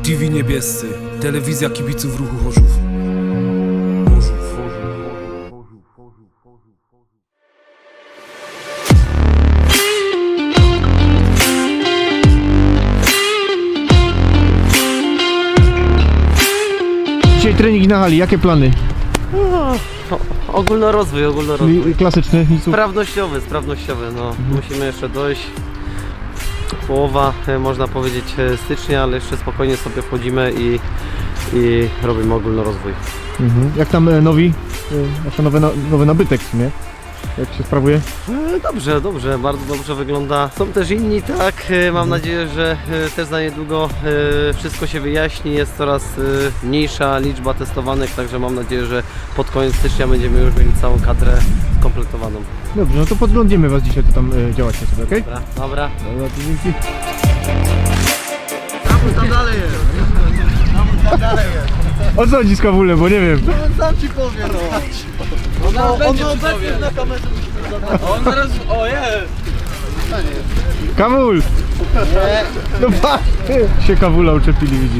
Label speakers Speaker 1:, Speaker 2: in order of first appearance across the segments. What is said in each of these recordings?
Speaker 1: TV Niebiescy, telewizja kibiców ruchu Chorzów.
Speaker 2: Dzisiaj trening na hali, jakie plany?
Speaker 3: Ogólnorozwój.
Speaker 2: Czyli klasyczny, nic.
Speaker 3: Sprawnościowy, no. Musimy jeszcze dojść. Połowa, można powiedzieć, stycznia, ale jeszcze spokojnie sobie wchodzimy i robimy ogólnorozwój.
Speaker 2: Jak tam nowi, znaczy nowy nabytek w sumie? Jak się sprawuje?
Speaker 3: Dobrze, bardzo dobrze wygląda. Są też inni, tak. Mam nadzieję, że też za niedługo wszystko się wyjaśni. Jest coraz mniejsza liczba testowanych, także mam nadzieję, że pod koniec stycznia będziemy już mieli całą kadrę skompletowaną.
Speaker 2: Dobrze, no to podglądniemy was dzisiaj, to tam działacie sobie, okej?
Speaker 3: Dobra.
Speaker 2: Dobra, to dzięki.
Speaker 4: Tam dalej jest.
Speaker 2: O co chodzi z Kawulem, bo nie wiem.
Speaker 4: Sam ci powiem, no. On obecnie na kamerze musi zadać. On teraz... O, jest!
Speaker 2: Kawul! No patrz! Się Kawula uczepili, widzisz.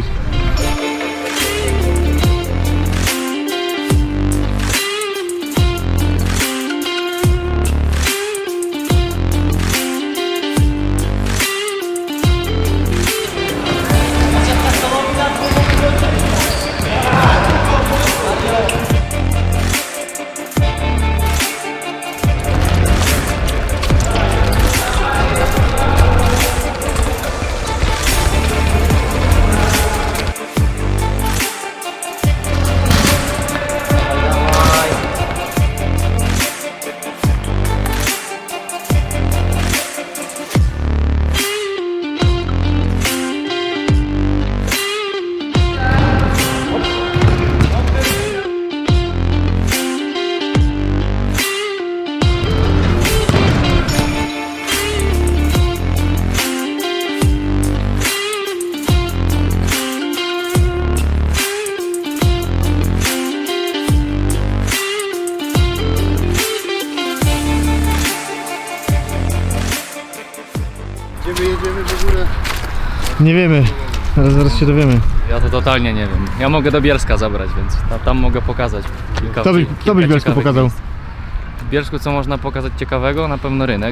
Speaker 4: Gdzie my jedziemy w ogóle?
Speaker 2: Nie wiemy, ale zaraz się dowiemy.
Speaker 5: Ja to totalnie nie wiem. Ja mogę do Bielska zabrać, więc tam mogę pokazać kilka.
Speaker 2: Kto byś Bielsku
Speaker 5: ciekawych
Speaker 2: pokazał?
Speaker 5: miejsc. W Bielsku co można pokazać ciekawego? Na pewno rynek.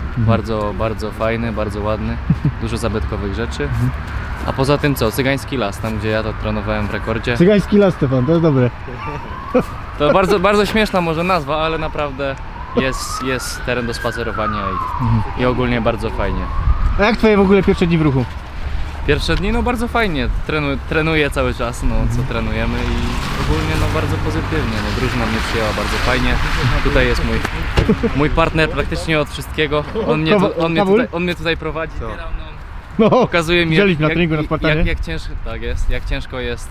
Speaker 5: Bardzo fajny, bardzo ładny. Dużo zabytkowych rzeczy. A poza tym co? Cygański las, tam gdzie ja to trenowałem w rekordzie.
Speaker 2: Cygański las, Stefan, to jest dobre.
Speaker 5: To bardzo śmieszna może nazwa, ale naprawdę jest teren do spacerowania i ogólnie bardzo fajnie.
Speaker 2: A jak twoje w ogóle pierwsze dni w ruchu?
Speaker 5: Pierwsze dni no bardzo fajnie, trenuję cały czas, no co trenujemy i ogólnie no bardzo pozytywnie, no drużyna mnie przyjęła bardzo fajnie. Tutaj jest mój partner praktycznie od wszystkiego, on mnie tutaj prowadzi,
Speaker 2: No,
Speaker 5: pokazuje mi
Speaker 2: widzieliśmy na treningu na Spartanie.
Speaker 5: jak ciężko jest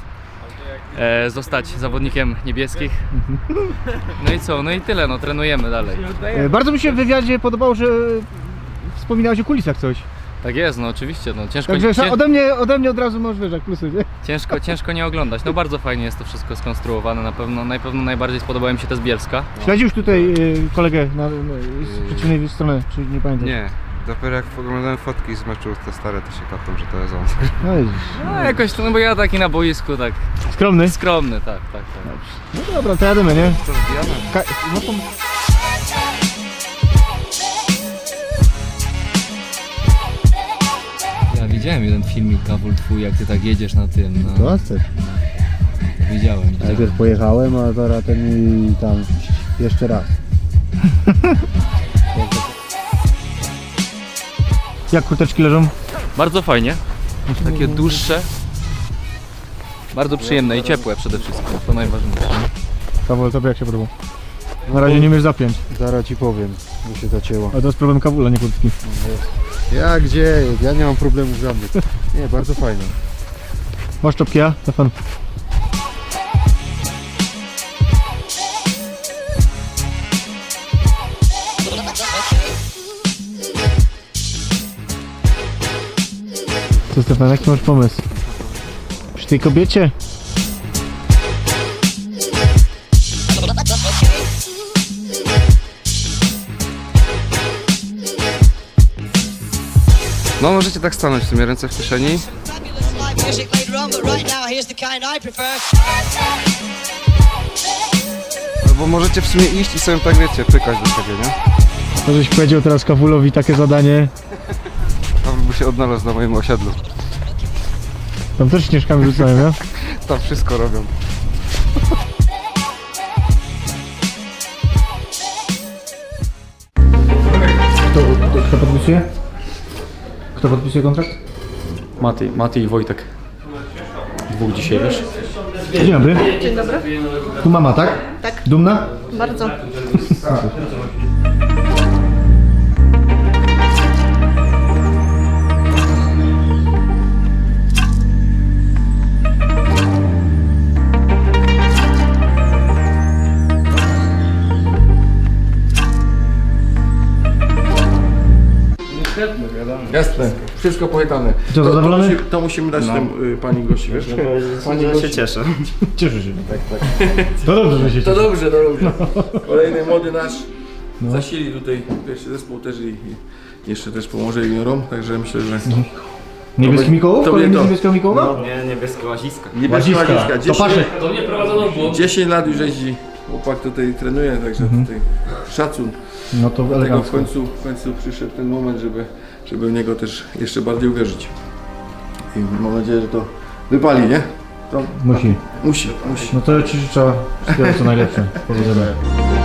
Speaker 5: zostać zawodnikiem niebieskich. No i co, no i tyle, no trenujemy dalej.
Speaker 2: Bardzo mi się w wywiadzie podobało, że wspominałeś o kulisach coś.
Speaker 5: Tak jest, no oczywiście, no ciężko.
Speaker 2: Także ode mnie od razu możesz wyjrzeć plusy, nie?
Speaker 5: Ciężko nie oglądać. No bardzo fajnie jest to wszystko skonstruowane. Na pewno najbardziej spodobało mi się te z Bielska.
Speaker 2: Śledzisz tutaj kolegę z przeciwnej strony, czy nie pamiętasz?
Speaker 6: Nie, dopiero jak oglądałem fotki z meczu te stare, to się kapłem, że to jest on.
Speaker 2: No widzisz.
Speaker 5: No jakoś to, no bo ja taki na boisku, tak
Speaker 2: Skromny?
Speaker 5: skromny, tak.
Speaker 2: No dobra, to jademy, nie?
Speaker 6: Co wbijamy?
Speaker 2: No to...
Speaker 5: Ja widziałem jeden filmik, Kawul twój, jak ty tak jedziesz na tym, no.
Speaker 2: To chcesz.
Speaker 5: Widziałem.
Speaker 7: Najpierw pojechałem, a teraz ten i tam jeszcze raz.
Speaker 2: Jak kurteczki leżą?
Speaker 5: Bardzo fajnie. Takie dłuższe. Bardzo przyjemne i ciepłe przede wszystkim, to najważniejsze.
Speaker 2: Kawul, tobie jak się podoba? Na razie nie umiesz zapiąć,
Speaker 7: Zaraz ci powiem, bo się zacięło.
Speaker 2: a to jest problem Kawula, nie kurtki.
Speaker 7: Ja gdzie? Ja nie mam problemów żadnych. Nie, bardzo fajnie.
Speaker 2: Masz czopki, ja? Stefan. Co, Stefan, jaki masz pomysł? Przy tej kobiecie?
Speaker 6: No możecie tak stanąć w sumie, ręce w kieszeni.
Speaker 8: music later on, but right now here's the kind I prefer.
Speaker 6: Bo możecie w sumie iść i sobie tak wiecie, pykać do siebie, nie?
Speaker 2: To żeś powiedział teraz Kawulowi takie zadanie.
Speaker 6: Tam by się odnalazł na moim osiedlu.
Speaker 2: Tam też śnieżkami rzucają, nie?
Speaker 6: Tam wszystko robią.
Speaker 2: Kto podpisuje? Kto podpisuje kontrakt?
Speaker 9: Maty i Wojtek. Dwóch dzisiaj, wiesz?
Speaker 2: Dzień dobry.
Speaker 10: Dzień dobry.
Speaker 2: Tu mama, tak?
Speaker 10: Tak.
Speaker 2: Dumna?
Speaker 10: Bardzo.
Speaker 9: Jasne, wszystko pojechane.
Speaker 2: Co, zadowolony?
Speaker 9: To musimy dać tym pani gości, wiesz? Pani gości.
Speaker 7: się cieszę.
Speaker 2: Cieszę się. Tak. To dobrze, że się
Speaker 9: To
Speaker 2: cieszy.
Speaker 9: dobrze, to dobrze. Kolejny młody nasz zasili tutaj pierwszy zespół też i jeszcze też pomoże juniorom, także myślę, że...
Speaker 2: Niebieski Mikołów?
Speaker 9: To
Speaker 2: Kolejny
Speaker 9: będzie to.
Speaker 2: niebieskiego Mikołowa?
Speaker 7: Nie, niebieskie łaziska.
Speaker 9: Niebieska łaziska.
Speaker 2: To
Speaker 9: 10,
Speaker 2: Paszek.
Speaker 5: To mnie prowadzono w błąd.
Speaker 9: 10 lat już jeździ, chłopak tutaj trenuje, także tutaj szacun.
Speaker 2: No to
Speaker 9: Dlatego
Speaker 2: elegancko.
Speaker 9: w końcu przyszedł ten moment, żeby w niego też jeszcze bardziej uwierzyć. I mam nadzieję, że to wypali, nie? To
Speaker 2: Musi.
Speaker 9: musi.
Speaker 2: No to ja ci życzę wszystkiego co najlepsze. Powodzenia.